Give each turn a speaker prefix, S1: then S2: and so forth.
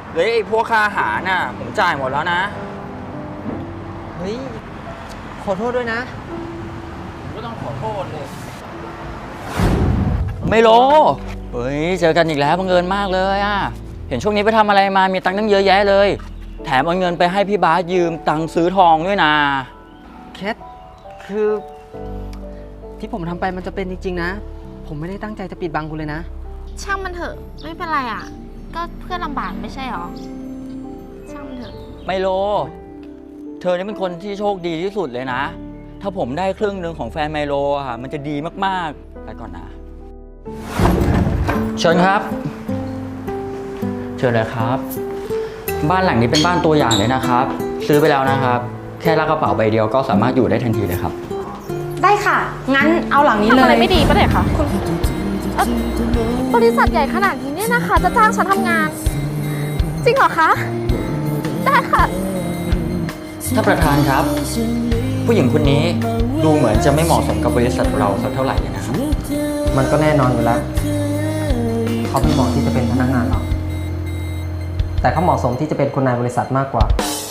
S1: เลยไอ้พวกค่าอาหารน่ะผมจ่ายหมดแล้วนะ
S2: เฮ้ย ขอโทษด้วยนะ
S1: ผมก็ต้องขอโทษเลยไม่โลเฮ้ยเจอกันอีกแล้วบังเอิญมากเลยอ่ะเห็นช่วงนี้ไปทำอะไรมามีตังค์ตั้งเยอะแยะเลยแถมเอาเงินไปให้พี่บาสยืมตังค์ซื้อทองด้วยนะ
S2: แคท คือ ที่ผมทำไปมันจะเป็นจริงๆนะ ผมไม่ได้ตั้งใจจะปิดบังคุณเลยนะ
S3: ช่างมันเถอะไม่เป็นไรอ่ะก็เพื่อนลำบากไม่ใช่หรอช่างมันเถอะ
S1: ไมโล เธอนี่เป็นคนที่โชคดีที่สุดเลยนะ ถ้าผมได้ครึ่งหนึ่งของแฟนไมโลอะมันจะดีมากๆไปก่อนนะเชิญครับเชิญเลยครับ บ้านหลังนี้เป็นบ้านตัวอย่างเลยนะครับ ซื้อไปแล้วนะครับ แค่ลากกระเป๋าใบเดียวก็สามารถอยู่ได้ทันทีเลยครับ
S4: ได้ค่ะ งั้นเอาหลังนี้
S3: ทำ
S4: เล
S3: อะไร
S4: ย
S3: ไม่ดีปะเนี่ยคะคุณบริษัทใหญ่ขนาดนี้เนี่ยนะคะ จะจ้างฉันทำงาน จริงเหรอคะ ได้ค่ะ
S1: ท่านประธานครับ ผู้หญิงคนนี้ดูเหมือนจะไม่เหมาะสมกับบริษัทเราสักเท่าไหร่เลยนะครับ
S2: มันก็แน่นอนอยู่แล้ว เขาไม่เหมาะที่จะเป็นพนักงานเรา แต่เขาเหมาะสมที่จะเป็นคนนายบริษัทมากกว่า